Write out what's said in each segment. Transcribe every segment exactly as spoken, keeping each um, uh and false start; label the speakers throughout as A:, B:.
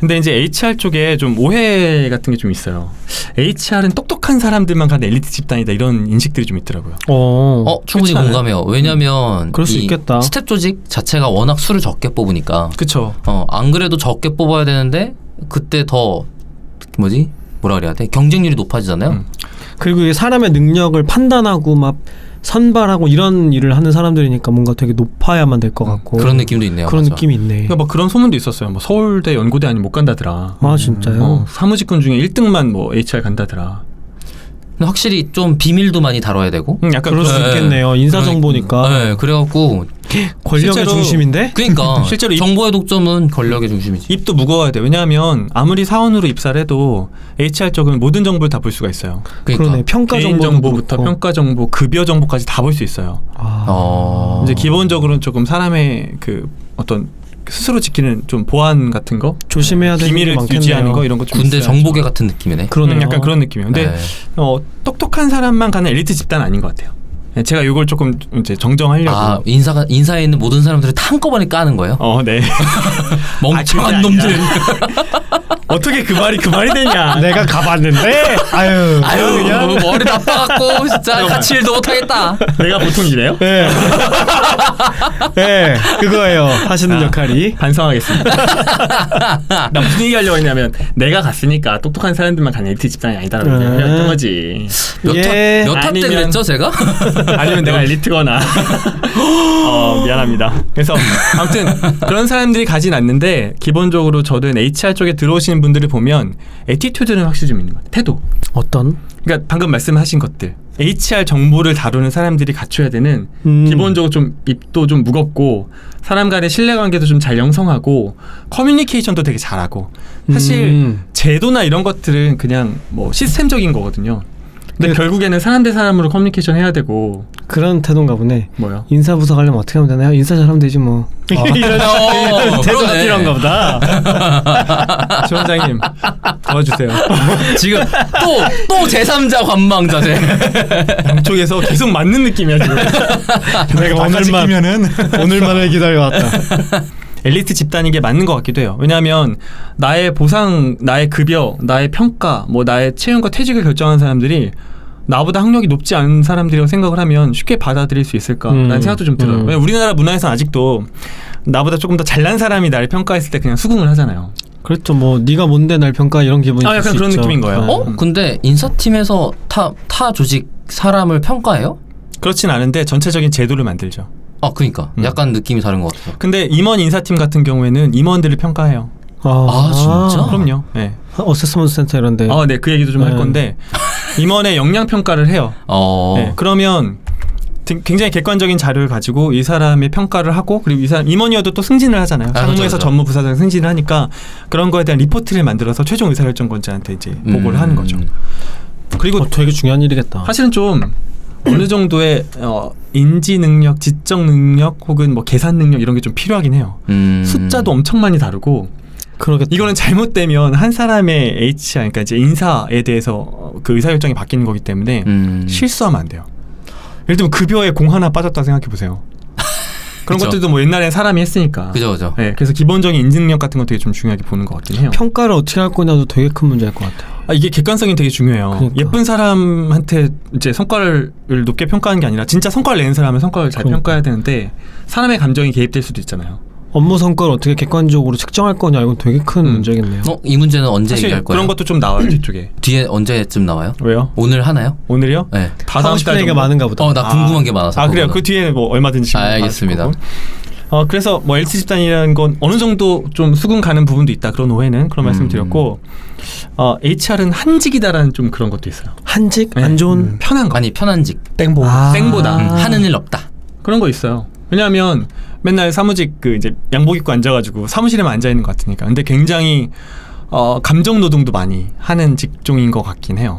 A: 근데 이제 에이치알 쪽에 좀 오해 같은 게 좀 있어요. 에이치알은 똑똑한 사람들만 가는 엘리트 집단이다 이런 인식들이 좀 있더라고요.
B: 어,
C: 어 충분히 공감해요. 왜냐면
B: 그럴 수
C: 이
B: 있겠다.
C: 스텝 조직 자체가 워낙 수를 적게 뽑으니까.
A: 그쵸.
C: 어, 안 그래도 적게 뽑아야 되는데 그때 더 뭐지? 뭐라 그래야 돼? 경쟁률이 높아지잖아요. 음.
B: 그리고 이게 사람의 능력을 판단하고 막 선발하고 이런 일을 하는 사람들이니까 뭔가 되게 높아야만 될 것 같고
C: 그런 느낌도 있네요.
B: 그런
C: 맞아.
B: 느낌이 있네.
A: 그러니까 뭐 그런 소문도 있었어요. 뭐 서울대 연고대 아니면 못 간다더라.
B: 아 진짜요?
A: 어, 사무직군 중에 일 등만 뭐 에이치알 간다더라.
C: 근데 확실히 좀 비밀도 많이 다뤄야 되고.
A: 음, 약간
B: 그럴 수
C: 네.
B: 있겠네요. 인사정보니까.
C: 네, 그래갖고
B: 권력의
A: 실제로
B: 중심인데?
C: 그러니까
A: 실제로 입,
C: 정보의 독점은 권력의 중심이지.
A: 입도 무거워야 돼. 왜냐하면 아무리 사원으로 입사를 해도 에이치알 쪽은 모든 정보를 다 볼 수가 있어요.
C: 그러니까.
B: 그러네. 평가
A: 개인
B: 정보도
A: 정보부터
B: 그렇고.
A: 평가 정보, 급여 정보까지 다 볼 수 있어요.
B: 아.
C: 어...
A: 이제 기본적으로는 조금 사람의 그 어떤 스스로 지키는 좀 보안 같은 거,
B: 조심해야 되는
A: 비밀을
B: 게 많겠네요.
A: 유지하는 거 이런 거 좀
C: 군대
A: 있어야죠.
C: 정보계 같은 느낌이네.
B: 그러네요.
A: 음, 약간 그런 느낌이에요. 근데
C: 네.
A: 어, 똑똑한 사람만 가는 엘리트 집단은 아닌 것 같아요. 제가 이걸 조금 이제 정정하려고.
C: 아 인사가 인사에 있는 모든 사람들을 다 한꺼번에 까는 거예요?
A: 어, 네.
C: 멍청한
A: 아,
C: 놈들.
A: 어떻게 그 말이 그 말이 되냐?
B: 내가 가봤는데 아유
C: 아유
B: 그냥
C: 머리 나빠갖고 진짜 같이 일도 못하겠다.
A: 내가 보통 이래요?
B: 네. 네 그거예요 하시는
A: 아,
B: 역할이.
A: 반성하겠습니다. 나 무슨 얘기 하려고 했냐면 내가 갔으니까 똑똑한 사람들만 가는 엘리트 집단이 아니다라고
B: 음.
A: 얘기했던 거지.
B: 예.
C: 몇 탑 때
A: 아니면-
C: 그랬죠 제가?
A: 아니면 내가 엘리트거나. 어, 미안합니다. 그래서 아무튼 그런 사람들이 가진 않는데 기본적으로 저는 에이치알 쪽에 들어오시는 분들을 보면 애티튜드는 확실히 좀 있는 것 같아요. 태도.
B: 어떤?
A: 그러니까 방금 말씀하신 것들. 에이치알 정보를 다루는 사람들이 갖춰야 되는
B: 음.
A: 기본적으로 좀 입도 좀 무겁고 사람 간의 신뢰관계도 좀 잘 형성하고 커뮤니케이션도 되게 잘하고 사실
B: 음.
A: 제도나 이런 것들은 그냥 뭐 시스템적인 거거든요. 근데
B: 네.
A: 결국에는 사람 대 사람으로 커뮤니케이션 해야 되고
B: 그런 태도인가 보네.
A: 뭐요?
B: 인사부서 가려면 어떻게 하면 되나요? 인사 잘하면 되지 뭐.
A: 이런
C: 어,
B: 태도가
C: 그러네.
B: 필요한가 보다.
A: 조 원장님 도와주세요.
C: 지금 또 또 제삼자 관망자세.
A: 양쪽에서 계속 맞는 느낌이야 지금.
B: 내가 오늘만 오늘만을 기다려왔다.
A: 엘리트 집단인 게 맞는 것 같기도 해요. 왜냐하면 나의 보상, 나의 급여, 나의 평가, 뭐 나의 채용과 퇴직을 결정하는 사람들이 나보다 학력이 높지 않은 사람들이라고 생각을 하면 쉽게 받아들일 수 있을까라는
B: 음.
A: 생각도 좀 들어요.
B: 음.
A: 왜냐면 우리나라 문화에서는 아직도 나보다 조금 더 잘난 사람이 나를 평가했을 때 그냥 수긍을 하잖아요.
B: 그렇죠. 뭐 네가 뭔데 날 평가 이런 기분이
A: 아,
B: 들
A: 약간
B: 수
A: 그런
B: 있죠.
A: 느낌인 거예요.
B: 네.
C: 어? 근데 인사팀에서 타, 타 조직 사람을 평가해요?
A: 그렇진 않은데 전체적인 제도를 만들죠.
C: 아 그러니까
A: 음.
C: 약간 느낌이 다른 것 같아요.
A: 근데 임원 인사팀 같은 경우에는 임원들을 평가해요.
B: 아,
C: 아, 진짜?
A: 그럼요. 네.
B: 어세스먼트 센터 이런데.
A: 아, 네. 그 얘기도 좀 할
B: 네.
A: 건데 임원의 역량 평가를 해요.
C: 어.
A: 네, 그러면 굉장히 객관적인 자료를 가지고 이 사람의 평가를 하고 그리고 이 사람 임원이어도 또 승진을 하잖아요.
C: 아,
A: 상무에서
C: 그렇죠, 그렇죠.
A: 전무부사장 승진을 하니까 그런 거에 대한 리포트를 만들어서 최종 의사결정권자한테 이제 보고를
C: 음.
A: 하는 거죠. 그리고
B: 어, 되게 중요한 일이겠다.
A: 사실은 좀 어느 정도의 어, 인지 능력, 지적 능력 혹은 뭐 계산 능력 이런 게 좀 필요하긴 해요.
C: 음.
A: 숫자도 엄청 많이 다르고
B: 그러겠다.
A: 이거는 잘못되면 한 사람의 에이치알 그러니까 이제 인사에 대해서 그 의사결정이 바뀌는 거기 때문에
C: 음.
A: 실수하면 안 돼요. 예를 들면 급여에 공 하나 빠졌다 생각해 보세요. 그런
C: 그쵸.
A: 것들도 뭐 옛날에 사람이 했으니까.
C: 그죠 그죠.
A: 네, 그래서 기본적인 인지 능력 같은 거 되게 좀 중요하게 보는 것 같긴 해요.
B: 평가를 어떻게 할 거냐도 되게 큰 문제일 것 같아요.
A: 아, 이게 객관성이 되게 중요해요.
B: 그러니까.
A: 예쁜 사람한테 이제 성과를 높게 평가하는 게 아니라 진짜 성과를 내는 사람은 성과를 잘
B: 그러니까.
A: 평가해야 되는데 사람의 감정이 개입될 수도 있잖아요.
B: 업무 성과를 어떻게 객관적으로 측정할 거냐 이건 되게 큰
A: 음.
B: 문제겠네요.
C: 어, 이 문제는 언제
A: 사실
C: 얘기할 거예요?
A: 그런 것도 좀 나와요 뒤쪽에.
C: 뒤에 언제쯤 나와요?
A: 왜요?
C: 오늘 하나요?
A: 오늘이요?
C: 네.
A: 다
B: 하고
A: 다음
B: 싶은
A: 달
B: 얘기가
A: 정도?
B: 많은가 보다.
C: 어, 나 궁금한 게 많아서.
A: 아 그래요?
C: 그거는.
A: 그 뒤에 뭐 얼마든지.
C: 아, 알겠습니다.
A: 거고. 어 그래서 뭐 엘티 집단이라는 건 어느 정도 좀 수긍 가는 부분도 있다. 그런 오해는 그런
C: 음.
A: 말씀드렸고 어 에이치알은 한직이다라는 좀 그런 것도 있어요.
B: 한직
A: 네.
B: 안 좋은
A: 음, 편한 거.
C: 아니 편한직.
A: 땡보.
B: 아.
A: 땡보다.
C: 음, 하는 일 없다.
A: 그런 거 있어요. 왜냐하면 맨날 사무직 그 이제 양복 입고 앉아가지고 사무실에만 앉아 있는 것 같으니까. 근데 굉장히 어 감정 노동도 많이 하는 직종인 것 같긴 해요.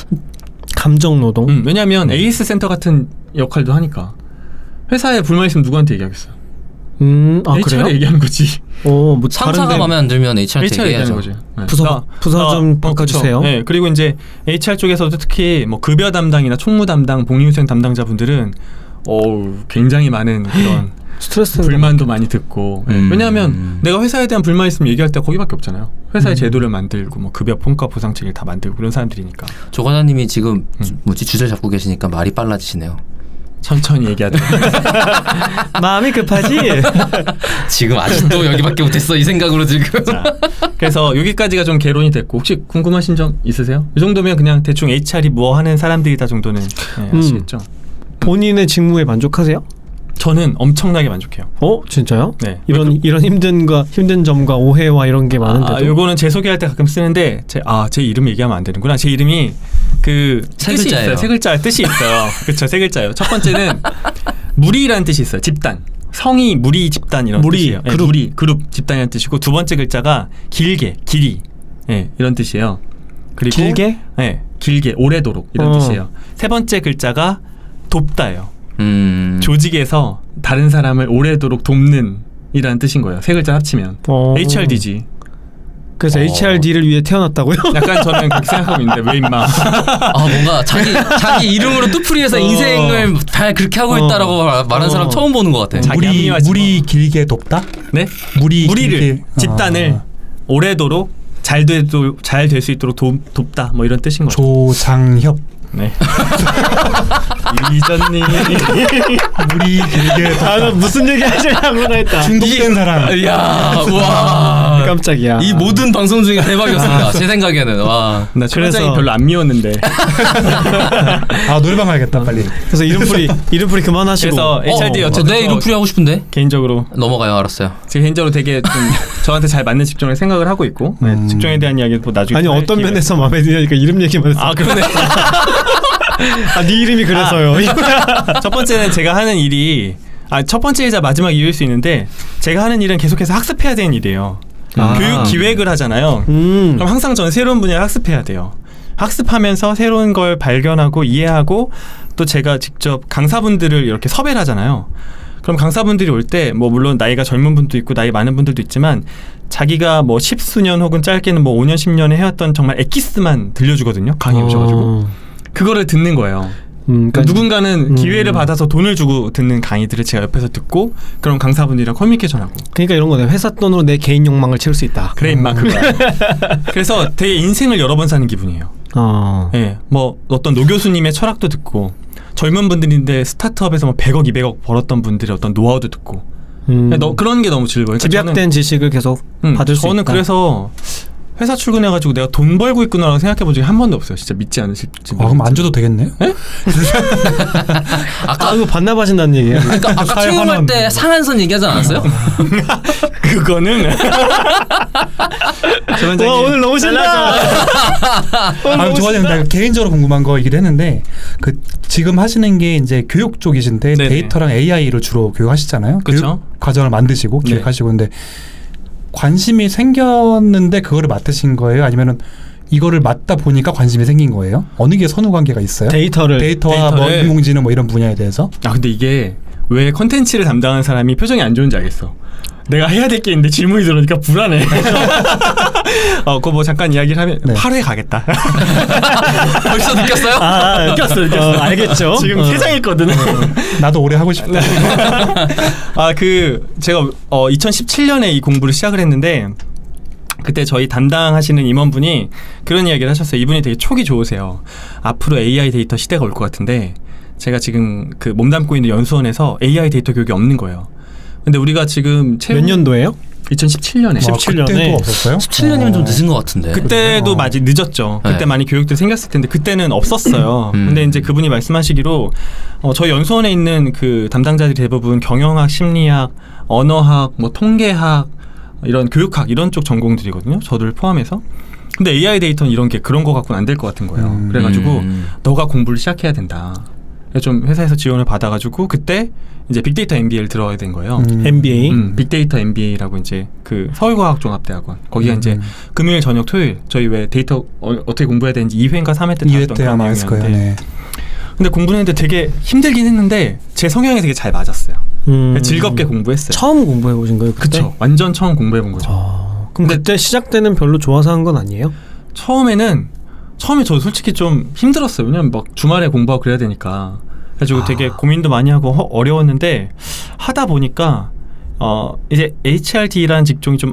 B: 감정 노동.
A: 음, 왜냐하면 에이에스 센터 같은 역할도 하니까. 회사에 불만 있으면 누구한테 얘기하겠어요?
B: 음, 아
A: 에이치알에
B: 그래요?
A: 얘기하는 거지.
B: 어, 뭐
C: 상사가
B: 다른데
C: 마음에 안 들면 에이치알한테
A: 에이치알에 얘기하는
C: 얘기해야죠.
A: 거지. 네.
B: 부서-
A: 나-
B: 부서
A: 나-
B: 좀
A: 어,
B: 바꿔주세요.
A: 그쵸. 네, 그리고 이제 에이치알 쪽에서도 특히 뭐 급여 담당이나 총무 담당, 복리후생 담당자분들은 어우, 굉장히 많은 그런
B: 스트레스
A: 불만도 많이 듣고. 네.
C: 음.
A: 왜냐하면 내가 회사에 대한 불만 있으면 얘기할 때가 거기밖에 없잖아요. 회사의
B: 음.
A: 제도를 만들고 뭐 급여 평가 보상 체계를 다 만들고 그런 사람들이니까
C: 조 과장님이 지금
A: 음.
C: 주- 뭐지 주제를 잡고 계시니까 말이 빨라지시네요.
A: 천천히 얘기하도록
B: 마음이 급하지.
C: 지금 아직도 여기밖에 못했어 이 생각으로 지금.
A: 자, 그래서 여기까지가 좀 개론이 됐고 혹시 궁금하신 점 있으세요? 이 정도면 그냥 대충 에이치알이 뭐 하는 사람들이다 정도는 네,
B: 음.
A: 아시겠죠?
B: 본인의 직무에 만족하세요?
A: 저는 엄청나게 만족해요.
B: 어 진짜요?
A: 네.
B: 이런 이런 힘든과 힘든 점과 오해와 이런 게 많은데도.
A: 아, 요거는 제 소개할 때 가끔 쓰는데 제, 아, 제 이름 얘기하면 안 되는구나. 제 이름이 그
C: 세
A: 뜻이
C: 글자예요.
A: 있어요. 세 글자 뜻이 있어요. 그렇죠. 세 글자예요. 첫 번째는 무리라는 뜻이 있어요. 집단. 성이 무리 집단 이런
B: 무리,
A: 뜻이에요. 네,
B: 그룹.
A: 무리 그룹 집단이라는 뜻이고 두 번째 글자가 길게 길이 네, 이런 뜻이에요. 그리고
B: 길게?
A: 네, 길게 오래도록 이런
B: 어.
A: 뜻이에요. 세 번째 글자가 돕다예요.
C: 음.
A: 조직에서 다른 사람을 오래도록 돕는 이라는 뜻인 거예요. 세 글자 합치면
B: 어.
A: 에이치알디지.
B: 그래서
C: 어.
B: 에이치알디를 위해 태어났다고요?
A: 약간 저는 그렇게 생각하고 있는데 왜 임마.
C: 아 뭔가 자기 자기 이름으로 뜻풀이해서
B: 어.
C: 인생을 잘 그렇게 하고
B: 어.
C: 있다라고 말- 말하는 사람
B: 어.
C: 처음 보는 것 같아.
A: 자기
D: 물이
A: 합리화지
D: 물이 길게 돕다?
A: 네?
D: 물이
A: 무리를
D: 길게
A: 집단을
D: 아,
A: 오래도록 잘 돼도 잘 될 수 있도록 도, 돕다 뭐 이런 뜻인 거죠.
D: 조장협
A: 네. 이전님
D: 물이 길게 돕다.
B: 아, 나 무슨 얘기 하시려고 했다.
D: 중독된 사람.
C: 이야 와.
B: 깜짝이야.
C: 이 모든 방송 중에 대박이었습니다. 제 생각에는 와.
A: 나
B: 그래서-
A: 초반장이 별로 안 미웠는데
D: 아 노래방 가야겠다 빨리.
B: 그래서 이름풀이 이름풀이 그만하시고.
A: 그래서 에이치알디
C: 어,
A: 어쨌든
C: 내 이름 풀이 하고 싶은데
A: 개인적으로
C: 넘어가요. 알았어요.
A: 제 개인적으로 되게 좀 저한테 잘 맞는 직종을 생각을 하고 있고 네,
D: 음.
A: 직종에 대한 이야기는 뭐 나중에
B: 아니
A: 할
B: 어떤
A: 기회가-
B: 면에서 마음에 드냐니까 이름 얘기만 했어.
A: 아 그러네.
B: 아, 네 이름이 그래서요.
A: 첫 번째는 제가 하는 일이 아, 첫 번째이자 마지막 이유일 수 있는데 제가 하는 일은 계속해서 학습해야 되는 일이에요.
B: 아.
A: 교육 기획을 하잖아요.
B: 음.
A: 그럼 항상 저는 새로운 분야를 학습해야 돼요. 학습하면서 새로운 걸 발견하고 이해하고 또 제가 직접 강사분들을 이렇게 섭외를 하잖아요. 그럼 강사분들이 올 때 뭐 물론 나이가 젊은 분도 있고 나이 많은 분들도 있지만 자기가 뭐 십수년 혹은 짧게는 뭐 오년 십년에 해왔던 정말 엑기스만 들려주거든요. 강의 오셔가지고
B: 어.
A: 그거를 듣는 거예요.
B: 음,
A: 그러니까 누군가는
B: 음.
A: 기회를 받아서 돈을 주고 듣는 강의들을 제가 옆에서 듣고 그런 강사분들이랑 커뮤니케이션하고
B: 그러니까 이런 거네. 회사 돈으로 내 개인 욕망을 채울 수 있다.
A: 그래 임마 그거야. 그래서 되게 인생을 여러 번 사는 기분이에요.
B: 어.
A: 예, 뭐 어떤 노 교수님의 철학도 듣고 젊은 분들인데 스타트업에서 뭐 백억, 이백억 벌었던 분들의 어떤 노하우도 듣고
B: 음.
A: 너, 그런 게 너무 즐거워요. 그러니까
B: 집약된 지식을 계속
A: 저는, 음,
B: 받을 수
A: 저는
B: 있다.
A: 그래서 회사 출근해가지고 내가 돈 벌고 있구나라고 생각해 본 적이 한 번도 없어요. 진짜 믿지 않으실지.
D: 아 그럼 안 줘도 되겠네요?
B: 아 이거 반납하신다는 얘기예요.
C: 그러니까 아까
D: 사회
C: 채용할
D: 환원.
C: 때 상한선 얘기하지 않았어요?
A: 그거는
B: 와 오늘 너무 신나.
D: 아 좋아요. 나 개인적으로 궁금한 거 얘기를 했는데 그 지금 하시는 게 이제 교육 쪽이신데
A: 네네.
D: 데이터랑 에이아이를 주로 교육하시잖아요.
A: 그쵸.
D: 교육 과정을 만드시고
A: 네.
D: 기획하시고 근데 관심이 생겼는데 그거를 맡으신 거예요? 아니면은 이거를 맡다 보니까 관심이 생긴 거예요? 어느 게 선후 관계가 있어요?
B: 데이터를
D: 데이터와 뭐
A: 데이터를-
D: 인공지능 뭐 이런 분야에 대해서?
A: 아 근데 이게 왜 컨텐츠를 담당하는 사람이 표정이 안 좋은지 알겠어. 내가 해야 될 게 있는데 질문이 들어오니까 불안해. 어, 그거 뭐 잠깐 이야기를 하면
D: 네.
A: 팔 회 가겠다.
C: 벌써 느꼈어요?
B: 아,
A: 느꼈어, 느꼈어.
B: 어, 알겠죠.
A: 지금
B: 어.
A: 세장했거든.
D: 나도 오래 하고 싶다.
A: 아, 그 제가 어, 이천십칠년에 이 공부를 시작을 했는데 그때 저희 담당하시는 임원분이 그런 이야기를 하셨어요. 이분이 되게 촉이 좋으세요. 앞으로 에이아이 데이터 시대가 올 것 같은데 제가 지금 그 몸담고 있는 연수원에서 에이아이 데이터 교육이 없는 거예요. 근데 우리가 지금 채용...
B: 몇 년도예요?
A: 이천십칠년에
D: 와,
B: 십칠 년에
D: 그때도 없었어요?
C: 십칠 년이면 좀 늦은 것 같은데.
A: 그때도
D: 어.
A: 많이 늦었죠. 그때
C: 네.
A: 많이 교육들 생겼을 텐데 그때는 없었어요.
C: 음.
A: 근데 이제 그분이 말씀하시기로 어, 저희 연수원에 있는 그 담당자들이 대부분 경영학, 심리학, 언어학, 뭐 통계학 이런 교육학 이런 쪽 전공들이거든요. 저를 포함해서. 근데 에이아이 데이터는 이런 게 그런 거 갖고는 안 될 것 같은 거예요.
D: 음.
A: 그래가지고
C: 음.
A: 너가 공부를 시작해야 된다. 그래서 좀 회사에서 지원을 받아가지고 그때 이제 빅데이터 엠비에이를 들어야 된 거예요.
D: 음.
B: 엠비에이.
A: 음, 빅데이터 엠비에이라고 이제 그 서울과학종합대학원 거기가
D: 음.
A: 이제 금요일 저녁 토요일 저희 왜 데이터 어, 어떻게 공부해야 되는지 이 회인가 삼 회 때
D: 이 회
A: 다뤘던
D: 때
A: 그런
D: 아마 했을 거예요.
A: 내용이었는데
D: 네.
A: 근데 공부를 했는데 되게 힘들긴 했는데 제 성향에 되게 잘 맞았어요.
B: 음.
A: 즐겁게 공부했어요.
B: 처음 공부해 보신 거예요? 그때?
A: 그쵸. 완전 처음 공부해 본 거죠.
B: 아, 그럼
A: 근데-
B: 그때 시작 때는 별로 좋아서 한 건 아니에요?
A: 처음에는 처음에 저 솔직히 좀 힘들었어요. 왜냐면 막 주말에 공부하고 그래야 되니까. 그래가지고
B: 아.
A: 되게 고민도 많이 하고 허, 어려웠는데 하다 보니까 어 이제 에이치알디라는 직종이 좀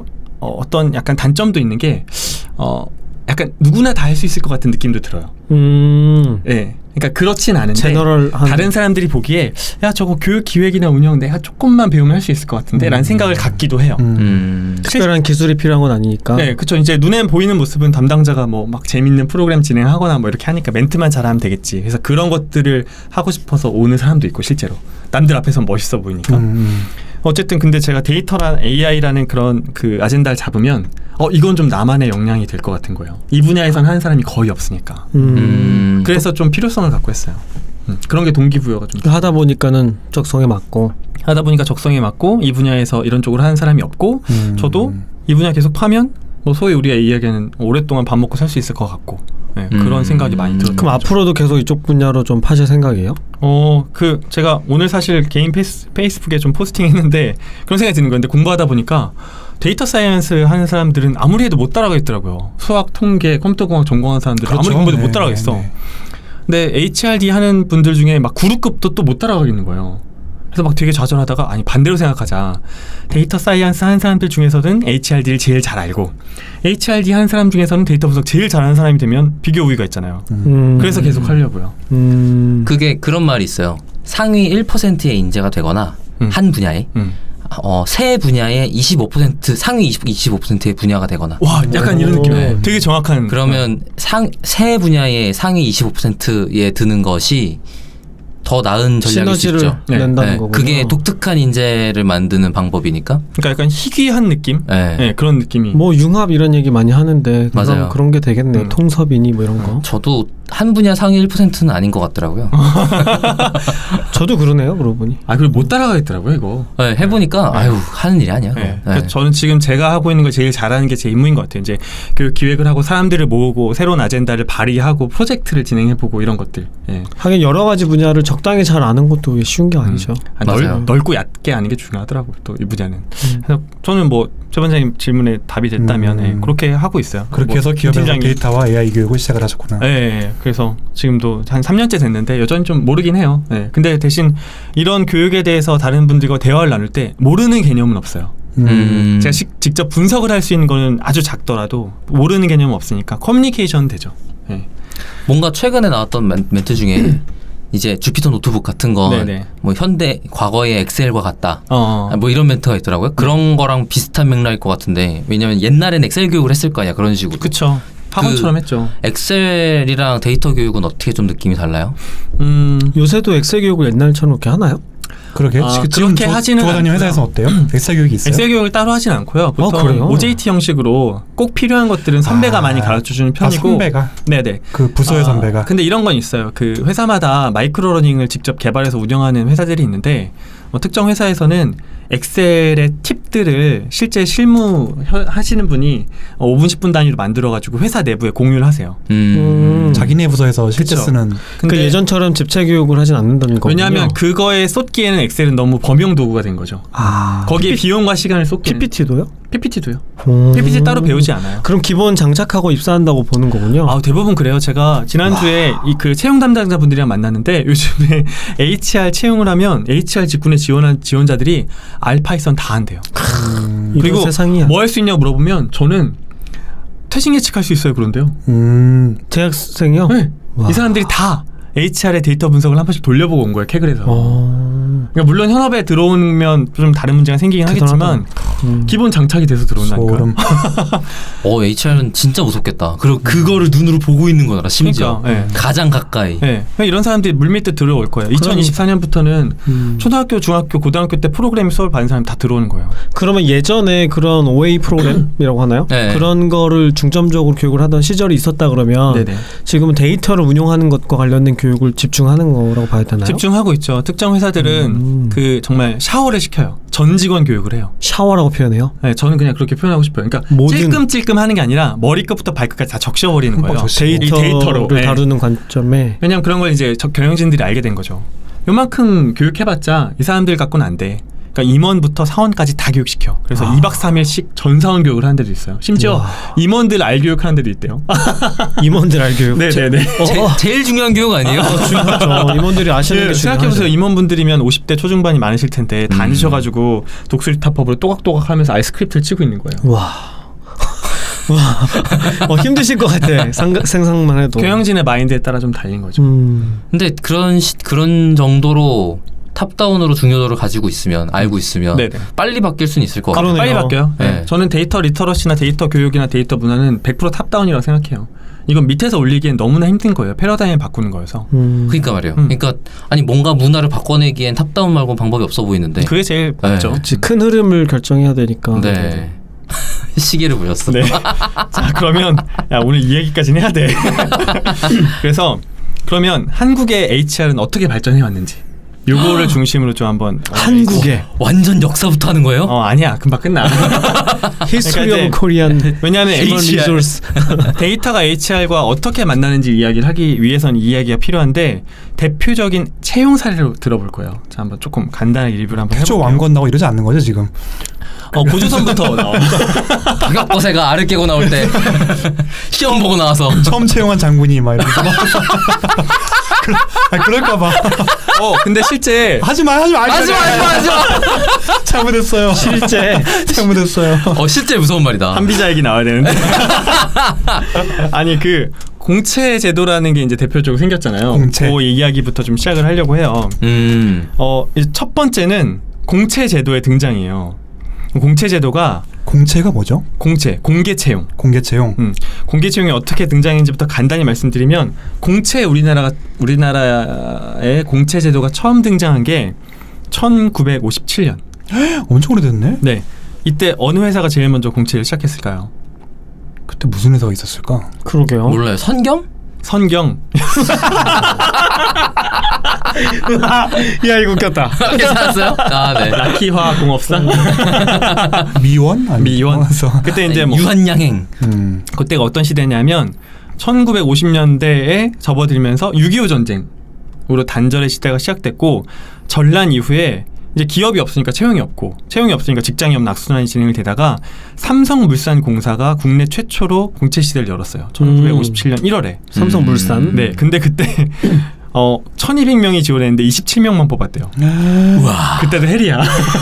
A: 어, 어떤 약간 단점도 있는 게 어, 약간 누구나 다 할 수 있을 것 같은 느낌도 들어요.
B: 음.
A: 예. 그러니까 그렇진 않은데
B: 제너럴한
A: 다른 사람들이 보기에 야 저거 교육 기획이나 운영 내가 조금만 배우면 할 수 있을 것 같은데
D: 음.
A: 라는 생각을 갖기도 해요.
D: 음.
C: 음.
B: 특별한 기술이 필요한 건 아니니까.
A: 네, 그렇죠. 이제 눈에 보이는 모습은 담당자가 뭐 막 재밌는 프로그램 진행하거나 뭐 이렇게 하니까 멘트만 잘하면 되겠지. 그래서 그런 것들을 하고 싶어서 오는 사람도 있고 실제로 남들 앞에서 멋있어 보이니까.
D: 음.
A: 어쨌든 근데 제가 데이터란 에이아이라는 그런 그 아젠다를 잡으면 어 이건 좀 나만의 역량이 될 것 같은 거예요. 이 분야에선 하는 사람이 거의 없으니까.
B: 음.
C: 음.
A: 그래서 좀 필요성을 갖고 했어요. 음, 그런 게 동기부여가 좀
B: 하다 보니까는 적성에 맞고.
A: 하다 보니까 적성에 맞고 이 분야에서 이런 쪽으로 하는 사람이 없고
D: 음.
A: 저도 이 분야 계속 파면 뭐 소위 우리가 이야기하는 오랫동안 밥 먹고 살 수 있을 것 같고 네, 그런
C: 음.
A: 생각이 많이 들었어요.
B: 그럼 앞으로도 계속 이쪽 분야로 좀 파실 생각이에요?
A: 어, 그 제가 오늘 사실 개인 페이스, 페이스북에 좀 포스팅했는데 그런 생각이 드는 건데 공부하다 보니까 데이터 사이언스 하는 사람들은 아무리 해도 못 따라가겠더라고요. 수학, 통계, 컴퓨터공학 전공하는 사람들은
D: 그렇죠.
A: 아무리 공부해도
D: 네,
A: 못 따라가겠어.
D: 네, 네.
A: 근데 에이치알디 하는 분들 중에 막 구루급도 또 못 따라가겠는 거예요. 그래서 막 되게 좌절하다가 아니 반대로 생각하자. 데이터 사이언스 하는 사람들 중에서는 에이치알디를 제일 잘 알고 에이치알디 하는 사람 중에서는 데이터 분석 제일 잘하는 사람이 되면 비교 우위가 있잖아요.
B: 음.
A: 그래서 계속 하려고요.
B: 음.
C: 그게 그런 말이 있어요. 상위 일 퍼센트의 인재가 되거나
A: 음.
C: 한 분야에
A: 음.
C: 어, 세 분야의 이십오 퍼센트 상위 이십오 퍼센트의 분야가 되거나.
A: 와 약간 이런
B: 오.
A: 느낌이에요.
C: 네.
A: 되게 정확한.
C: 그러면 상 세 분야의 상위 이십오 퍼센트에 드는 것이 더 나은 전략일 수
B: 시너지를
C: 있죠.
A: 네.
B: 낸다는
C: 네,
B: 거군요.
C: 그게 독특한 인재를 만드는 방법이니까.
A: 그러니까 약간 희귀한 느낌.
C: 네.
A: 네, 그런 느낌이.
B: 뭐 융합 이런 얘기 많이 하는데 그런,
C: 맞아요.
B: 그런 게 되겠네.
A: 음.
B: 통섭이니 뭐 이런 거.
C: 저도 한 분야 상위 일 퍼센트는 아닌 것 같더라고요.
B: 저도 그러네요. 그러고 보니.
A: 아 그리고 못 따라가겠더라고요 이거.
C: 네, 해보니까
A: 네.
C: 아유 하는 일이 아니야. 그거.
A: 네.
C: 네.
A: 그래서 저는 지금 제가 하고 있는 걸 제일 잘하는 게 제 임무인 것 같아요. 이제 그 기획을 하고 사람들을 모으고 새로운 아젠다를 발의하고 프로젝트를 진행해보고 이런 것들. 예.
B: 하긴 여러 가지 분야를 적당히 잘 아는 것도 쉬운 게 아니죠.
A: 아,
C: 맞아요.
A: 넓, 넓고 얕게 아는 게 중요하더라고요. 또 이 분야는.
B: 음.
A: 그래서 저는 뭐 최 원장님 질문에 답이 됐다면
D: 음.
A: 예, 그렇게 하고 있어요.
D: 그렇게
A: 뭐
D: 해서 기업에서
A: 팀장이-
D: 데이터와 에이아이 교육을 시작을 하셨구나.
A: 예, 예. 그래서 지금도 한 삼 년째 됐는데 여전히 좀 모르긴 해요. 예. 근데 대신 이런 교육에 대해서 다른 분들과 대화를 나눌 때 모르는 개념은 없어요.
D: 음.
C: 음.
A: 제가 시, 직접 분석을 할 수 있는 거는 아주 작더라도 모르는 개념은 없으니까 커뮤니케이션 되죠. 예.
C: 뭔가 최근에 나왔던 멘, 멘트 중에 이제 주피터 노트북 같은 건
A: 네네.
C: 뭐 현대 과거의 엑셀과 같다.
A: 어.
C: 아, 뭐 이런 멘트가 있더라고요. 그런 거랑 비슷한 맥락일 것 같은데 왜냐면 옛날엔 엑셀 교육을 했을 거 아니야 그런 식으로.
A: 그쵸. 학원처럼
C: 그-
A: 했죠.
C: 엑셀이랑 데이터 교육은 어떻게 좀 느낌이 달라요?
A: 음.
B: 요새도 엑셀 교육을 옛날처럼 그렇게 하나요?
D: 그러게.
A: 아,
D: 지금
A: 그렇게
D: 조-
A: 하지는
D: 조과장님
A: 않고요.
D: 회사에서 어때요? 엑셀 교육이 있어요?
A: 엑셀 교육을 따로 하진 않고요. 보통
B: 그래요?
A: 오제이티 형식으로 꼭 필요한 것들은 선배가
D: 아.
A: 많이 가르쳐주는
D: 아,
A: 편이고.
D: 선배가
A: 네네.
D: 그 부서의
A: 아,
D: 선배가.
A: 근데 이런 건 있어요. 그 회사마다 마이크로러닝을 직접 개발해서 운영하는 회사들이 있는데 뭐 특정 회사에서는 엑셀의 팁들을 실제 실무 혀- 하시는 분이 오 분 십 분 단위로 만들어가지고 회사 내부에 공유를 하세요.
C: 음.
B: 음.
D: 자기네 부서에서 실제
A: 그쵸.
D: 쓰는.
B: 그 예전처럼 집체 교육을 하진 않는다는 거군요.
A: 왜냐하면 그거에 쏟기에는 엑셀은 너무 범용 도구가 된 거죠.
B: 아,
A: 거기에
B: 피피,
A: 비용과 시간을 쏟기는
B: 피피티도요?
A: 피피티도요.
B: 음.
A: 피피티 따로 배우지 않아요.
B: 그럼 기본 장착하고 입사한다고 보는 거군요.
A: 아 대부분 그래요. 제가 지난주에 이 그 채용 담당자분들이랑 만났는데 요즘에 에이치알 채용을 하면 에이치알 직군에 지원한 지원자들이 알파이썬 다 한대요.
B: 이런
A: 그리고
B: 세상이야.
A: 뭐 할 수 있냐고 물어보면 저는 퇴직 예측할 수 있어요. 그런데요.
D: 음.
B: 대학생이요?
A: 네.
B: 와.
A: 이 사람들이 다 에이치알의 데이터 분석을 한 번씩 돌려보고 온 거예요. 캐글에서.
B: 어.
A: 그러니까 물론 현업에 들어오면 좀 다른 문제가 생기긴
B: 대단하다.
A: 하겠지만
B: 음.
A: 기본 장착이 돼서 들어온다니까.
D: 소름.
C: 어 에이치알은 진짜 무섭겠다. 그리고 그거를 눈으로 보고 있는 거라 심지어
A: 그러니까, 예.
C: 가장 가까이.
A: 네. 이런 사람들이 물밑에 들어올 거예요. 이천이십사 년부터는
B: 음.
A: 초등학교, 중학교, 고등학교 때 프로그래밍 수업을 받는 사람이 다 들어오는 거예요.
B: 그러면 예전에 그런 오에이 프로그램이라고 하나요?
C: 네.
B: 그런 거를 중점적으로 교육을 하던 시절이 있었다 그러면
A: 네네.
B: 지금은 데이터를 운용하는 것과 관련된 교육을 집중하는 거라고 봐야 되나요?
A: 집중하고 있죠. 특정 회사들은
B: 음.
A: 그 정말 샤워를 시켜요. 전 직원 교육을 해요.
B: 샤워라고 표현해요?
A: 네, 저는 그냥 그렇게 표현하고 싶어요. 그러니까
B: 모든-
A: 찔끔찔끔 하는 게 아니라 머리끝부터 발끝까지 다 적셔버리는 거예요.
D: 흠뻑 적시고.
A: 이
B: 데이터를
A: 데이터로. 네.
B: 다루는 관점에
A: 왜냐면 그런 걸 이제 저- 경영진들이 알게 된 거죠. 요만큼 교육해봤자 이 사람들 갖고는 안 돼. 그러니까 임원부터 사원까지 다 교육시켜. 그래서
B: 아.
A: 이 박 삼 일씩 전사원 교육을 하는 데도 있어요. 심지어
B: 와.
A: 임원들 알 교육하는 데도 있대요.
B: 임원들 알 교육.
A: 네네네.
C: 제,
B: 어, 어.
C: 제일 중요한 교육 아니에요?
B: 중요하죠. 임원들이 아시는 게
A: 그
B: 중요하죠.
A: 생각해보세요. 임원분들이면 오십 대 초중반이 많으실 텐데 다
C: 음.
A: 앉으셔가지고 독수리타법으로 또각또각 하면서 아이스크립트를 치고 있는 거예요.
B: 와. 어, 힘드실 것 같아. 상, 생각만 해도.
A: 경영진의 마인드에 따라 좀 달린 거죠.
B: 음.
C: 근데 그런 시, 그런 정도로 탑다운으로 중요도를 가지고 있으면 알고 있으면
A: 네네.
C: 빨리 바뀔 수는 있을 것 같아요.
B: 그러네요.
A: 빨리 바뀌어요.
C: 네.
A: 네. 저는 데이터 리터러시나 데이터 교육이나 데이터 문화는 백 퍼센트 탑다운이라고 생각해요. 이건 밑에서 올리기엔 너무나 힘든 거예요. 패러다임을 바꾸는 거여서.
B: 음.
C: 그러니까 말이에요.
A: 음.
C: 그러니까 아니 뭔가 문화를 바꿔내기엔 탑다운 말고 방법이 없어 보이는데.
A: 그게 제일
C: 네.
A: 맞죠.
B: 그치, 큰 흐름을 결정해야 되니까.
C: 네. 시계를 보였어.
A: 네. 자 그러면 야, 오늘 이 얘기까지는 해야 돼. 그래서 그러면 한국의 에이치알은 어떻게 발전해 왔는지 요거를 중심으로 좀 한번
B: 한국에
C: 완전 역사부터 하는 거예요?
A: 어 아니야 금방 끝나.
B: 히스토리
A: 그러니까
B: 오브 코리안
A: 왜냐하면
B: 휴먼
A: 에이치알
B: 리소스.
A: 데이터가 에이치알과 어떻게 만나는지 이야기를 하기 위해서는 이 이야기가 필요한데 대표적인 채용 사례로 들어볼 거예요. 자 한번 조금 간단하게 리뷰를 한번
D: 태조
A: 해볼게요.
D: 왕건 나고 이러지 않는 거죠 지금?
A: 어 고조선부터 나와.
C: 박역거세가 알을 깨고 나올 때 시험 보고 나와서
D: 처음 채용한 장군이 막 이러면서 그러, 아, 그럴까봐
A: 어 근데 실제
D: 하지마 하지마
C: 하지마 하지마 하지마.
D: 잘못했어요.
B: 실제
D: 잘못했어요.
C: 어 실제 무서운 말이다.
A: 한비자 얘기 나와야 되는데. 아니 그 공채 제도라는 게 이제 대표적으로 생겼잖아요.
D: 공채.
A: 그 이야기부터 좀 시작을 하려고 해요.
C: 음.
A: 어, 이제 첫 번째는 공채 제도의 등장이에요. 공채 제도가
D: 공채가 뭐죠?
A: 공채, 공개 채용.
D: 공개 채용.
A: 음, 공개 채용이 어떻게 등장했는지부터 간단히 말씀드리면 공채 우리나라가 우리나라의 공채 제도가 처음 등장한 게 천구백오십칠 년.
D: 엄청 오래됐네.
A: 네. 이때 어느 회사가 제일 먼저 공채를 시작했을까요?
D: 그때 무슨 회사가 있었을까?
B: 그러게요.
C: 몰라요. 선겸?
A: 선경.
B: 야 이거 웃겼다.
C: 괜찮았어요? 아 네.
A: 라키화공업사.
D: 미원? 아니
A: 미원.
D: 미원에서.
A: 그때 이제 뭐
C: 유한양행.
D: 음.
A: 그때가 어떤 시대냐면 천구백오십 년대에 접어들면서 육이오 전쟁으로 단절의 시대가 시작됐고 전란 이후에 이제 기업이 없으니까 채용이 없고 채용이 없으니까 직장이 없는 악순환이 진행이 되다가 삼성물산공사가 국내 최초로 공채 시대를 열었어요. 천구백오십칠 년 일월에.
B: 삼성물산.
C: 음.
A: 네, 근데 그때 어 천이백 명이 지원했는데 이십칠 명만 뽑았대요.
C: 우와.
A: 그때도 헬이야.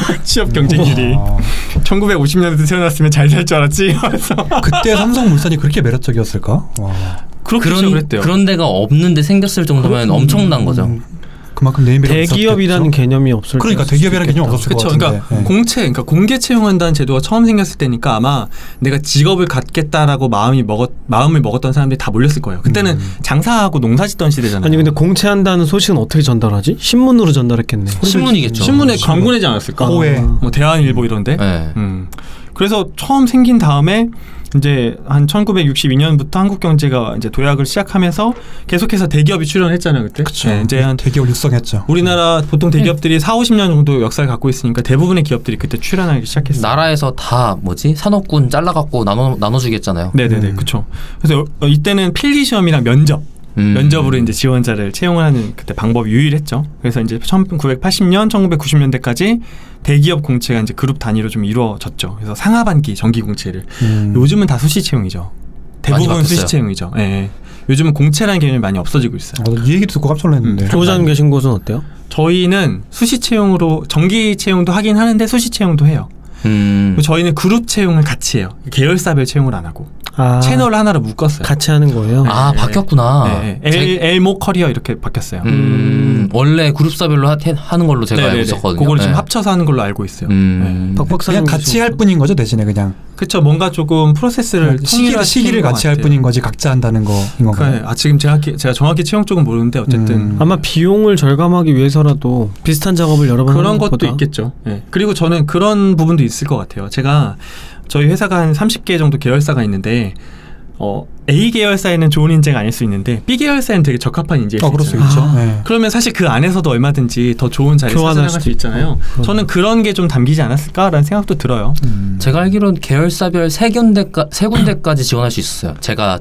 A: 취업 경쟁률이.
D: 와.
A: 천구백오십 년대 태어났으면 잘 살 줄 알았지. 그래서
D: 그때 삼성물산이 그렇게 매력적이었을까? 와.
A: 그렇게
C: 그런
A: 그랬대요.
C: 그런 데가 없는데 생겼을 정도면 엄청난 거죠.
D: 음, 그만큼 네임밸류가
B: 대기업이라는
D: 있었겠죠?
B: 개념이 없을
D: 그러니까
B: 때
D: 대기업이라는 개념이 없었을
A: 그렇죠.
D: 것 같은데.
A: 그러니까
D: 네.
A: 공채, 그러니까 공개 채용한다는 제도가 처음 생겼을 때니까 아마 내가 직업을 갖겠다라고 마음이 먹었 마음을 먹었던 사람들이 다 몰렸을 거예요. 그때는
D: 음.
A: 장사하고 농사짓던 시대잖아요.
B: 아니 근데 공채한다는 소식은 어떻게 전달하지? 신문으로 전달했겠네.
C: 신문이겠죠.
A: 신문에 광고 내지 않았을까?
D: 호에.
A: 뭐 대한일보 이런데.
C: 네.
A: 음. 그래서 처음 생긴 다음에 이제 한 천구백육십이 년부터 한국 경제가 이제 도약을 시작하면서 계속해서 대기업이 출연했잖아요 그때.
D: 그쵸.
A: 네, 이제 한
D: 대기업 육성했죠.
A: 우리나라 보통 대기업들이 사오십 년 정도 역사를 갖고 있으니까 대부분의 기업들이 그때 출연하기 시작했어요.
C: 나라에서 다 뭐지 산업군 잘라갖고 나눠 나눠주겠잖아요.
A: 네네네,
D: 음.
A: 그렇죠. 그래서 어, 이때는 필기 시험이랑 면접,
C: 음.
A: 면접으로 이제 지원자를 채용을 하는 그때 방법이 유일했죠. 그래서 이제 천구백팔십 년, 천구백구십 년대까지 대기업 공채가 이제 그룹 단위로 좀 이루어졌죠. 그래서 상하반기 정기 공채를
D: 음.
A: 요즘은 다 수시 채용이죠. 대부분
C: 많이
A: 수시
C: 바뀌었어요.
A: 채용이죠. 예. 예. 요즘은 공채라는 개념이 많이 없어지고 있어요.
D: 어, 이 얘기도 듣고 깜짝 놀랐는데.
A: 음.
B: 교장 계신 곳은 어때요?
A: 저희는 수시 채용으로 정기 채용도 하긴 하는데 수시 채용도 해요.
C: 음.
A: 그리고 저희는 그룹 채용을 같이 해요. 계열사별 채용을 안 하고
B: 아,
A: 채널 하나로 묶었어요.
B: 같이 하는 거예요.
C: 아
A: 네.
C: 바뀌었구나.
A: 네, 네. 엘, 엘모 커리어 이렇게 바뀌었어요.
C: 음. 원래 그룹사별로 하, 하는 걸로 제가 알고
A: 네네네.
C: 있었거든요.
A: 그걸 지금
C: 네.
A: 합쳐서 하는 걸로 알고 있어요.
C: 음.
B: 박 박사님
D: 그냥 같이
B: 계신
D: 할
B: 곳은?
D: 뿐인 거죠 대신에 그냥
A: 그렇죠. 뭔가 조금 프로세스를
D: 시기를
A: 통일화시키는
D: 시기를
A: 것
D: 같이 할
A: 같아요.
D: 뿐인 거지 각자 한다는 거인 건가요?
A: 그래. 아 지금 제가 제가 정확히 채용 쪽은 모르는데 어쨌든
D: 음.
B: 아마 비용을 절감하기 위해서라도 비슷한 작업을 여러 번
A: 그런
B: 하는
A: 것도
B: 것보다
A: 있겠죠. 예. 그리고 저는 그런 부분도 있을 것 같아요. 제가 저희 회사가 한 삼십 개 정도 계열사가 있는데 어, A 계열사에는 좋은 인재가 아닐 수 있는데 B 계열사에는 되게 적합한 인재일
D: 어,
A: 수
D: 그럴 수
A: 있어요.
D: 있죠.
B: 아.
D: 네.
A: 그러면 사실 그 안에서도 얼마든지 더 좋은 자리를
B: 교환할
A: 찾아나갈
B: 수도
A: 수 있잖아요.
B: 있고.
A: 저는 그런 게 좀 담기지 않았을까라는 생각도 들어요.
D: 음.
C: 제가 알기로는 계열사별 세 군데까 세 군데까지 지원할 수 있었어요. 제가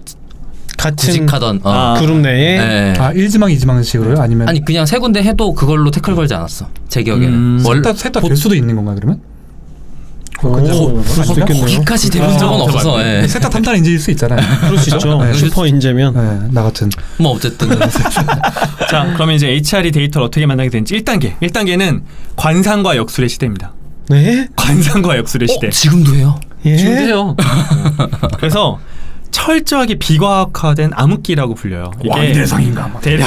B: 같은
C: 구직하던 어.
A: 아.
B: 그룹 내에
C: 네.
D: 아 일지망 이지망식으로요? 아니면
C: 아니 그냥 세 군데 해도 그걸로 태클 걸지 않았어. 제 기억에는.
A: 음.
C: 원-
D: 셋다셋다될 수도 있는 건가 그러면?
B: 오,
D: 그렇죠.
B: 그럴 수도
D: 아닌가?
B: 있겠네요.
C: 거기까지 돼본 적은
A: 아,
C: 없어서.
A: 맞네.
C: 예.
D: 셋다 탐단 인재일 수 있잖아요.
B: 그럴 수 있죠.
D: 네.
B: 슈퍼 인재면
D: 네, 나 같은.
C: 뭐 어쨌든
A: 자, 그러면 이제 에이치알이 데이터를 어떻게 만나게 되는지 일 단계. 일 단계는 관상과 역술의 시대입니다.
B: 네?
A: 관상과 역술의 시대.
C: 어, 지금도 해요.
B: 예?
A: 지금도 해요. 그래서 철저하게 비과학화된 암흑기라고 불려요.
D: 왕이 대상인가 막.
A: 대략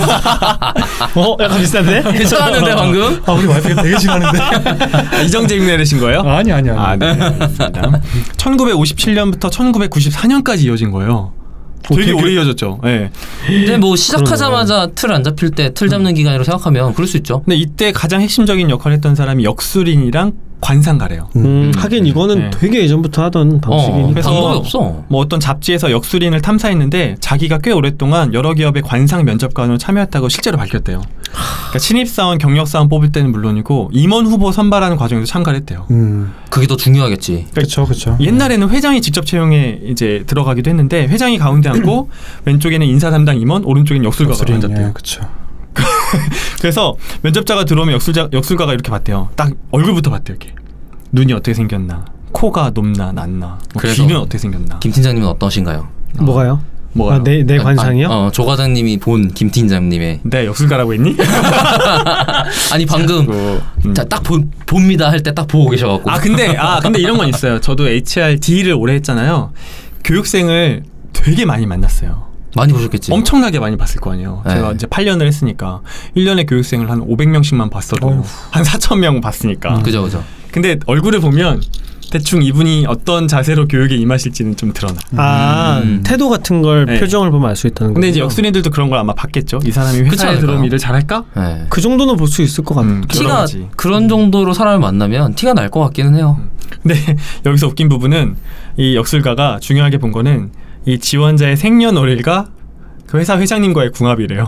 B: 어, 약간 비슷한데?
C: 괜찮았는데 방금?
D: 아 우리 와이프가 되게 싫어하는데.
A: 이정재 흉내내신 거예요?
D: 아니 아니 아니.
A: 아, 네, 알겠습니다. 천구백오십칠 년부터 천구백구십사 년까지 이어진 거예요. 되게
B: 되게-
A: 오래 이어졌죠. 예.
C: 근데 뭐 시작하자마자 틀 안 잡힐 때 틀 잡는 기간이라고 생각하면 그럴 수 있죠.
A: 근데 이때 가장 핵심적인 역할을 했던 사람이 역술인이랑 관상가래요.
B: 음, 하긴 이거는
A: 네.
B: 되게 예전부터 하던 방식이니까.
C: 어,
A: 그래서-
C: 방법이 없어.
A: 뭐 어떤 잡지에서 역술인을 탐사했는데 자기가 꽤 오랫동안 여러 기업의 관상 면접관으로 참여했다고 실제로 밝혔대요. 그러니까 신입사원, 경력사원 뽑을 때는 물론이고 임원 후보 선발하는 과정에도 참가를 했대요.
D: 음.
C: 그게 더 중요하겠지.
D: 그렇죠 그렇죠.
A: 옛날에는 회장이 직접 채용에 이제 들어가기도 했는데 회장이 가운데 앉고 왼쪽에는 인사 담당 임원, 오른쪽에는 역술가가 앉았대요.
D: 그렇죠.
A: 그래서 면접자가 들어오면 역술자, 역술가가 이렇게 봤대요. 딱 얼굴부터 봤대요. 이렇게 눈이 어떻게 생겼나, 코가 높나 낮나, 뭐
C: 그래서
A: 귀는 어떻게 생겼나.
C: 김 팀장님은 어떠신가요?
B: 뭐가요?
A: 뭐가요?
B: 아, 내, 내 관상이요?
C: 어, 조 과장님이 본 김 팀장님의
A: 네, 역술가라고 했니?
C: 아니 방금
A: 음.
C: 자, 딱 보, 봅니다 할 때 딱 보고 계셔갖고
A: 아 근데 아 근데 이런 건 있어요. 저도 에이치알디를 오래 했잖아요. 교육생을 되게 많이 만났어요.
C: 많이 보셨겠지.
A: 엄청나게 많이 봤을 거 아니에요.
C: 네.
A: 제가 이제 팔 년을 했으니까 일 년에 교육생을 한 오백 명씩만 봤어도
D: 어휴.
A: 한 사천 명 봤으니까.
C: 그죠 그죠.
A: 근데 얼굴을 보면 대충 이분이 어떤 자세로 교육에 임하실지는 좀 드러나.
B: 아,
C: 음.
B: 태도 같은 걸
A: 네.
B: 표정을 보면 알 수 있다는 거죠.
A: 근데 이제 역술인들도 그런 걸 아마 봤겠죠. 이 사람이
C: 그렇지
A: 회사에
C: 않을까요?
A: 들어오면 일을 잘할까?
C: 네.
B: 그 정도는 볼 수 있을 것 같아요.
A: 음, 여러
C: 티가
A: 가지.
C: 그런 정도로 사람을 만나면 티가 날 것 같기는 해요.
A: 근데 여기서 웃긴 부분은 이 역술가가 중요하게 본 거는 이 지원자의 생년월일과 그 회사 회장님과의 궁합이래요.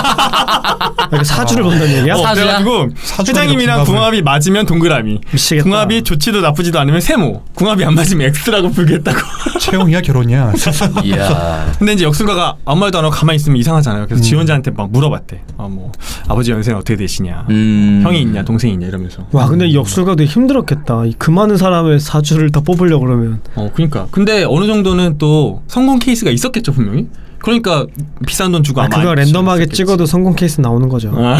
B: 이렇게 사주를 본다는 얘기야?
A: 어,
C: 사주야?
A: 그래가지고
D: 사주가
A: 회장님이랑
D: 궁합을.
A: 궁합이 맞으면 동그라미,
B: 미치겠다.
A: 궁합이 좋지도 나쁘지도 않으면 세모, 궁합이 안 맞으면 X라고 불겠다고.
D: 채용이야 결혼이야.
C: 이야.
A: 근데 이제 역술가가 아무 말도 안 하고 가만히 있으면 이상하잖아요. 그래서
D: 음.
A: 지원자한테 막 물어봤대. 아, 뭐 아버지 연세는 어떻게 되시냐,
C: 음.
A: 형이 있냐, 동생이 있냐 이러면서.
B: 와, 근데 이 역술가 되게 힘들었겠다. 이 그 많은 사람의 사주를 다 뽑으려고 그러면.
A: 어, 그러니까. 근데 어느 정도는 또 성공 케이스가 있었겠죠 분명히. 그러니까 비싼 돈 주고
B: 아,
A: 아마
B: 그거
A: 알
B: 랜덤하게
A: 수 있었겠지.
B: 찍어도 성공 케이스 나오는 거죠.
A: 아,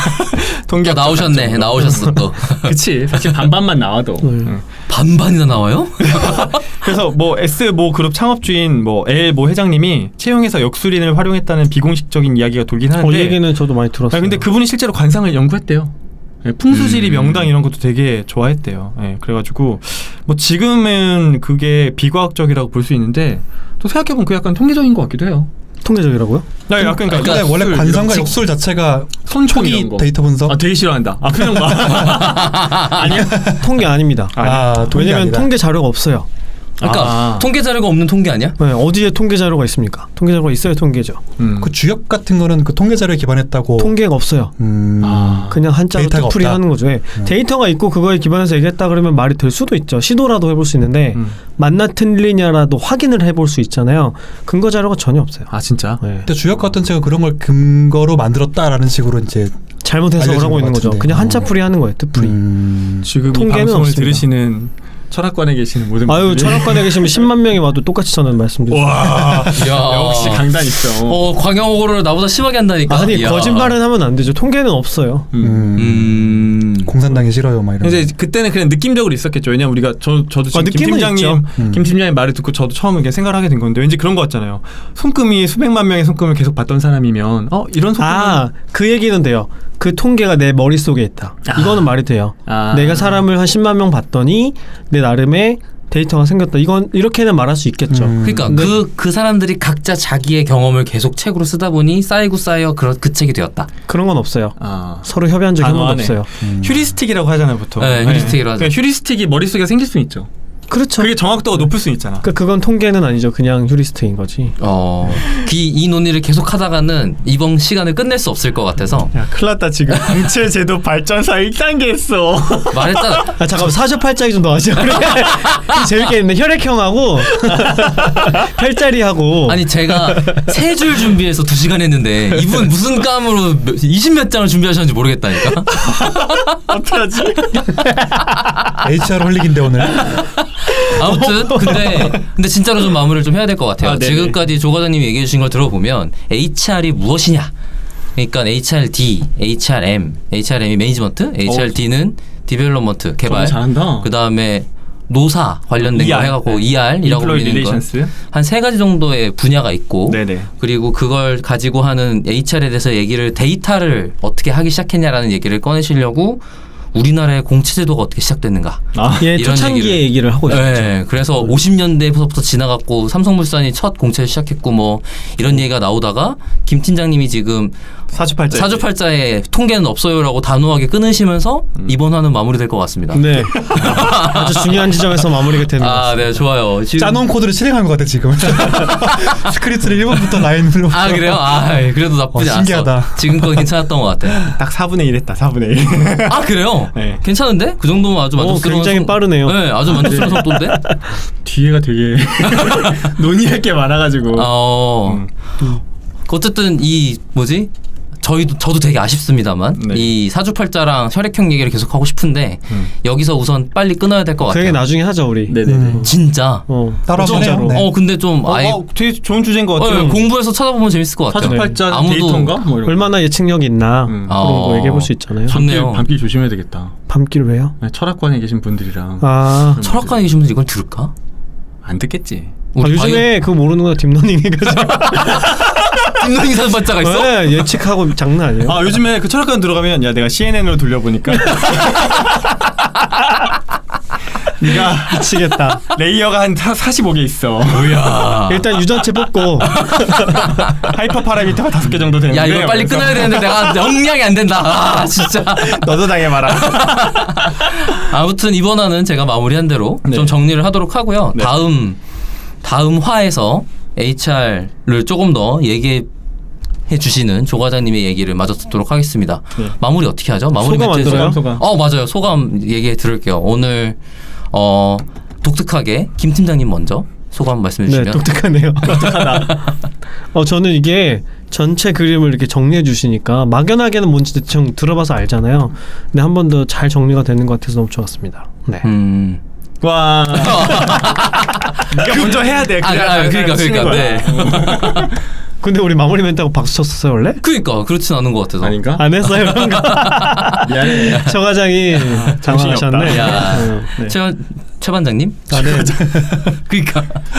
A: 동기
C: 또 나오셨네. 나오셨어 또.
A: 그치. 사실 반반만 나와도.
B: 음.
A: 응.
C: 반반이나 나와요?
A: 그래서 뭐 S 모 그룹 창업주인 뭐 L 모 회장님이 채용해서 역술인을 활용했다는 비공식적인 이야기가 돌긴
B: 어,
A: 하는데.
B: 이 얘기는 저도 많이 들었어요.
A: 아, 근데 그분이 실제로 관상을 연구했대요. 예, 풍수지리
C: 음.
A: 명당 이런 것도 되게 좋아했대요. 예, 그래가지고 뭐 지금은 그게 비과학적이라고 볼 수 있는데 또 생각해보면 그 약간 통계적인 것 같기도 해요.
B: 통계적이라고요?
A: 나 약간 그러니까
D: 근데 원래
A: 역술,
D: 관상과
A: 이런
D: 역술 자체가
A: 손총
D: 초기
A: 이런 거.
D: 데이터 분석.
A: 아 되게 싫어한다. 아 표정 봐. 아니야?
B: 통계 아닙니다.
D: 아, 통계
B: 왜냐면
D: 아니라.
B: 통계 자료가 없어요.
C: 그러니까
A: 아.
C: 통계 자료가 없는 통계 아니야?
B: 네, 어디에 통계 자료가 있습니까? 통계 자료가 있어야 통계죠.
A: 음.
D: 그 주역 같은 거는 그 통계 자료에 기반했다고.
B: 통계가 없어요.
D: 음.
A: 아.
B: 그냥 한자로
D: 데이터가
B: 뜻풀이
D: 없다?
B: 하는 거죠. 예.
D: 음.
B: 데이터가 있고 그거에 기반해서 얘기했다 그러면 말이 될 수도 있죠. 시도라도 해볼 수 있는데
A: 음.
B: 맞나 틀리냐라도 확인을 해볼 수 있잖아요. 근거 자료가 전혀 없어요.
A: 아 진짜?
B: 예.
D: 근데 주역 같은 책은 그런 걸 근거로 만들었다라는 식으로 이제
B: 잘못 해석을
D: 알려주는
B: 하고 있는
D: 것
B: 거죠.
D: 같은데.
B: 그냥
D: 어.
B: 한자풀이 하는 거예요. 뜻풀이.
D: 음.
A: 지금 이
B: 통계는
A: 방송을
B: 없습니다.
A: 들으시는 철학관에 계시는 모든
B: 아유
A: 분들이
B: 철학관에 계시면 십만 명이 와도 똑같이 저는 말씀드립니다.
A: 와
C: 야.
A: 역시 강단 있어.
C: 어, 광영호를 나보다 심하게 한다니까.
B: 아니
C: 이야.
B: 거짓말은 하면 안 되죠. 통계는 없어요.
A: 음.
D: 음.
C: 음.
D: 공산당이 싫어요, 막 이런.
A: 이제 그때는 그냥 느낌적으로 있었겠죠. 왜냐면 우리가 저 저도 지금
B: 아,
A: 김
B: 느낌은
A: 팀장님
B: 있죠.
D: 음.
A: 김 팀장님 말을 듣고 저도 처음 이렇게 생각을 하게 된 건데 왠지 그런 거 같잖아요. 손금이 수백만 명의 손금을 계속 봤던 사람이면 어 이런 손금
B: 아 그 얘기는 돼요. 그 통계가 내 머릿속에 있다.
A: 아.
B: 이거는 말이 돼요.
A: 아.
B: 내가 사람을 한 십만 명 봤더니 내 나름의 데이터가 생겼다. 이건 이렇게는 말할 수 있겠죠.
D: 음.
C: 그러니까
B: 근데-
C: 그 그 사람들이 각자 자기의 경험을 계속 책으로 쓰다 보니 쌓이고 쌓여 그, 그 책이 되었다.
B: 그런 건 없어요.
A: 아.
B: 서로 협의한 적이 한 번도
A: 단호하네.
B: 없어요.
D: 음.
A: 휴리스틱이라고 하잖아요 보통.
C: 네, 휴리스틱이라고 하죠.
A: 그러니까 휴리스틱이 머릿속에 생길 수 있죠.
B: 그렇죠.
A: 그게 정확도가 높을 수 있잖아.
B: 그 그건 통계는 아니죠. 그냥 휴리스트인 거지.
C: 어, 이, 이 논의를 계속 하다가는 이번 시간을 끝낼 수 없을 것 같아서
A: 야 큰일 났다 지금 공채 제도 발전사 일 단계 했어.
C: 말했잖아.
B: 아 잠깐만 사주팔자기 좀 넣어야지. 우리 재밌겠네. 혈액형하고 별자리하고.
C: 아니 제가 세 줄 준비해서 두 시간 했는데 이분 무슨 감으로 이십 몇 장을 준비하셨는지 모르겠다니까.
A: 어떡하지?
D: 에이치알 홀릭인데 오늘.
C: 아무튼 근데 근데 진짜로 좀 마무리를 좀 해야 될 것 같아요.
A: 아, 네네.
C: 지금까지 조 과장님이 얘기해 주신 걸 들어보면 에이치알이 무엇이냐? 그러니까 에이치알디, 에이치알엠, 에이치알엠이 매니지먼트, 에이치알디는 디벨롭먼트 개발.
A: 잘한다.
C: 그 다음에 노사 관련된 거
A: 이알,
C: 해갖고
A: 네.
C: 이알이라고
A: Employee
C: 불리는 건
A: Relations.
C: 한 세 가지 정도의 분야가 있고
A: 네네.
C: 그리고 그걸 가지고 하는 에이치알에 대해서 얘기를 데이터를 어떻게 하기 시작했냐라는 얘기를 꺼내시려고 우리나라의 공채제도가 어떻게 시작됐는가
A: 아,
B: 예,
C: 이런
B: 초창기의 얘기를 하고 있었죠.
C: 네, 그래서 오십 년대부터 지나갔고 삼성물산이 첫 공채를 시작했고 뭐 이런 얘기가 나오다가 김 팀장님이 지금
A: 사주팔자.
C: 사주팔자에 통계는 없어요라고 단호하게 끊으시면서
A: 음.
C: 이번 화는 마무리될 것 같습니다.
B: 네. 아주 중요한 지점에서 마무리가 되는 것
C: 아,
B: 같습니다.
C: 네, 좋아요. 지금
D: 짜놓은 코드를 실행한 것 같아 지금. 스크립트를 일 번부터 라인으로.
C: 아 그래요? 아 그래도 나쁘지
D: 어,
C: 않았어.
D: 신기하다.
C: 지금껏 괜찮았던 것 같아.
A: 딱 사분의 일 했다. 사분의 일.
C: 아 그래요?
A: 네.
C: 괜찮은데? 그 정도면 아주
B: 오,
C: 만족스러운
B: 굉장히
C: 속-
B: 빠르네요.
C: 네, 아주 만족스러운 속도인데.
A: 뒤에가 되게 논의할 게 많아가지고.
C: 어.
A: 음.
C: 어쨌든 이 뭐지? 저희도 저도 되게 아쉽습니다만
A: 네.
C: 이 사주팔자랑 혈액형 얘기를 계속 하고 싶은데
A: 음.
C: 여기서 우선 빨리 끊어야 될 것
B: 그 얘기
C: 같아요.
B: 나중에 하죠 우리.
A: 네네네.
D: 음.
C: 진짜.
B: 어.
D: 따로 한번 해요.
B: 진짜로.
D: 네.
C: 어 근데 좀
A: 어,
C: 아예
A: 어, 되게 좋은 주제인 것
C: 어,
A: 같아요.
C: 공부해서 찾아보면 재밌을 것 같아요.
A: 사주팔자
C: 아무도-
A: 데이터인가? 뭐 이런 거.
B: 얼마나 예측력이 있나
A: 음.
B: 그런
C: 어.
B: 거 얘기해 볼 수 있잖아요.
C: 저- 좋네요.
A: 밤길, 밤길 조심해야 되겠다.
B: 밤길 왜요?
A: 네, 철학관에 계신 분들이랑
B: 아,
C: 철학관에 계신 분들 이걸 들을까?
A: 안 듣겠지.
B: 아 요즘에 그거 모르는 거 딥러닝 해가지고
C: 김동희 사주팔자가 있어?
B: 네, 예측하고 장난 아니에요.
A: 아 요즘에 그 철학관 들어가면 야 내가 씨엔엔으로 돌려보니까 네가
B: 미치겠다.
A: 레이어가 한 사십오 개 있어.
C: 뭐야?
B: 일단 유전체 뽑고
A: 하이퍼 파라미터가 다섯 개 정도 되는데.
C: 야 이거 빨리
A: 그래서
C: 끊어야 되는데 내가 영량이 안 된다. 아 진짜.
A: 너도 당해봐라.
C: 아무튼 이번 화는 제가 마무리한 대로
A: 네.
C: 좀 정리를 하도록 하고요.
A: 네.
C: 다음 다음 화에서 에이치알을 조금 더 얘기해 주시는 조 과장님의 얘기를 마저 듣도록 하겠습니다.
A: 네.
C: 마무리 어떻게 하죠? 마무리
B: 소감 안
C: 멘트
B: 들어요?
A: 소감.
C: 어 맞아요. 소감 얘기해 들을게요. 오늘 어 독특하게 김 팀장님 먼저 소감 말씀해
B: 네,
C: 주시면.
B: 독특하네요. 어 저는 이게 전체 그림을 이렇게 정리해 주시니까 막연하게는 뭔지 대충 들어봐서 알잖아요. 근데 한 번 더 잘 정리가 되는 것 같아서 너무 좋았습니다. 네.
C: 음.
A: 와. 네가 먼저 해야 돼.
C: 아,
A: 그래야
C: 아,
A: 다른
C: 그러니까
A: 사람이 치는
C: 그러니까
A: 거야.
C: 네.
B: 근데 우리 마무리 멘트하고 박수 쳤었어요 원래?
C: 그러니까 그렇진 않은 것 같아서.
A: 아닌가?
B: 안 했어요 그런 거.
A: 미안해.
B: 저 과장이
A: 정신이 없다.
B: 당황하셨네.
C: 야.
B: 어, 네.
C: 최, 최 반장님?
B: 아, 네.
C: 그러니까.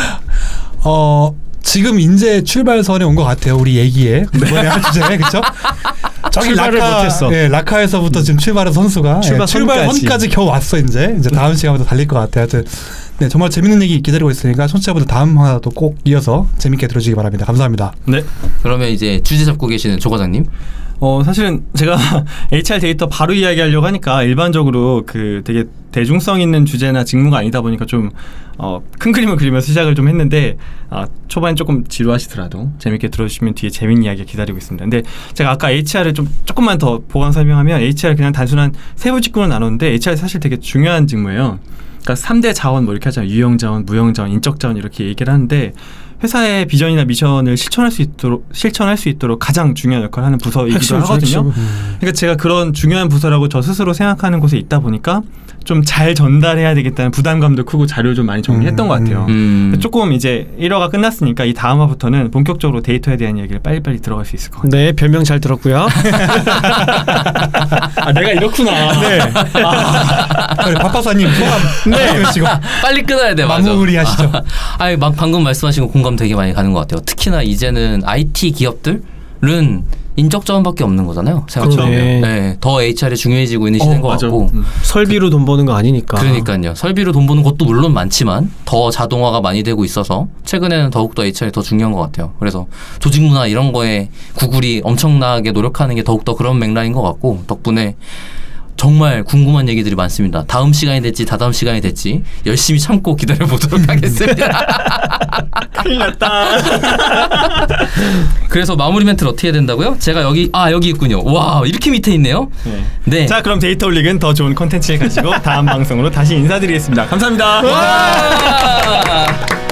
D: 어 지금 이제 출발선에 온 것 같아요. 우리 얘기에 이번에 할 주제 그렇죠? 저기
B: 출발을
D: 라카,
B: 못했어.
D: 예, 라카에서부터 지금 출발한 선수가
B: 출발
D: 예, 출발선까지
B: 선까지.
D: 겨우 왔어 이제. 이제 다음 시간부터 달릴 것 같아요. 하여튼 네 정말 재밌는 얘기 기다리고 있으니까 청취자분들 다음 화도 꼭 이어서 재밌게 들어주시기 바랍니다. 감사합니다.
A: 네.
C: 그러면 이제 주제 잡고 계시는 조 과장님.
A: 어 사실은 제가 에이치알 데이터 바로 이야기하려고 하니까 일반적으로 그 되게 대중성 있는 주제나 직무가 아니다 보니까 좀 어, 큰 그림을 그리면서 시작을 좀 했는데 아, 초반에 조금 지루하시더라도 재밌게 들어주시면 뒤에 재밌는 이야기 기다리고 있습니다. 근데 제가 아까 에이치알을 좀 조금만 더 보강 설명하면 에이치알 그냥 단순한 세부 직군을 나눴는데 에이치알 사실 되게 중요한 직무예요. 그러니까 삼 대 자원 뭐 이렇게 하잖아요. 유형 자원, 무형 자원, 인적 자원 이렇게 얘기를 하는데 회사의 비전이나 미션을 실천할 수 있도록 실천할 수 있도록 가장 중요한 역할을 하는 부서이기도
B: 핵심이죠,
A: 하거든요.
B: 핵심.
A: 그러니까 제가 그런 중요한 부서라고 저 스스로 생각하는 곳에 있다 보니까 좀 잘 전달해야 되겠다는 부담감도 크고 자료를 좀 많이 정리했던
D: 음,
A: 것 같아요.
C: 음.
A: 조금 이제 일 화가 끝났으니까 이 다음 화부터는 본격적으로 데이터에 대한 얘기를 빨리빨리 들어갈 수 있을 것 같아요.
B: 네, 별명 잘 들었고요.
A: 아 내가 이렇구나.
B: 네.
D: 우리 박박사님 소감 네 그러시고
C: 빨리 끊어야 돼. 맞아.
D: 마무리하시죠.
C: 아니 막 방금 말씀하신 거 공감 되게 많이 가는 것 같아요. 특히나 이제는 아이티 기업들은 인적 자원밖에 없는 거잖아요. 생각해보면.
B: 그러네.
C: 네, 더 에이치알이 중요해지고 있는 시대인
A: 어,
C: 것
A: 맞아.
C: 같고.
A: 음.
B: 설비로 돈 버는 거 아니니까.
C: 그러니까요. 설비로 돈 버는 것도 물론 많지만 더 자동화가 많이 되고 있어서 최근에는 더욱더 에이치알이 더 중요한 것 같아요. 그래서 조직 문화 이런 거에 구글이 엄청나게 노력하는 게 더욱더 그런 맥락인 것 같고 덕분에 정말 궁금한 얘기들이 많습니다. 다음 시간이 될지 다다음 시간이 될지 열심히 참고 기다려보도록 하겠습니다.
A: 큰일 났다.
C: 그래서 마무리 멘트를 어떻게 해야 된다고요? 제가 여기 아 여기 있군요. 와 이렇게 밑에 있네요.
A: 네.
C: 네.
A: 자 그럼 데이터 올릭은 더 좋은 컨텐츠를 가지고 다음 방송으로 다시 인사드리겠습니다. 감사합니다.
C: 와!